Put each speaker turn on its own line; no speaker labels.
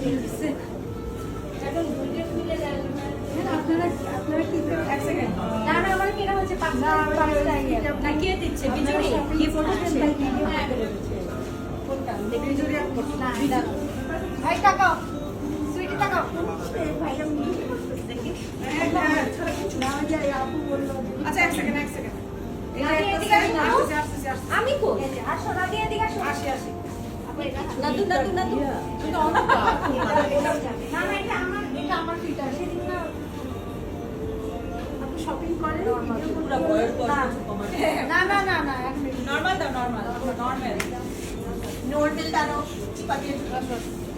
আপনারা কি এক সেকেন্ড
না না আমার কেনা হচ্ছে 5
না কে দিচ্ছে বিজুরি কি ফটো দেন
হ্যাঁ
কোনটা বিজুরি আর ফটো
না ভাই টাকাও সুইটি টাকাও
ভাই আমি দেখি না যাই আপু বললো আচ্ছা এক সেকেন্ড
আমি কো আসো না দিয়ে এদিকে আসো
আসি
না দু তুমি অনেক না না এটা আমার ফিল্টার সেদিন না
আপনি শপিং করেন
পুরো বয়ের পর
না
নরমাল দাও নরমাল দাও
নর্মাল দাও চিপা দিয়ে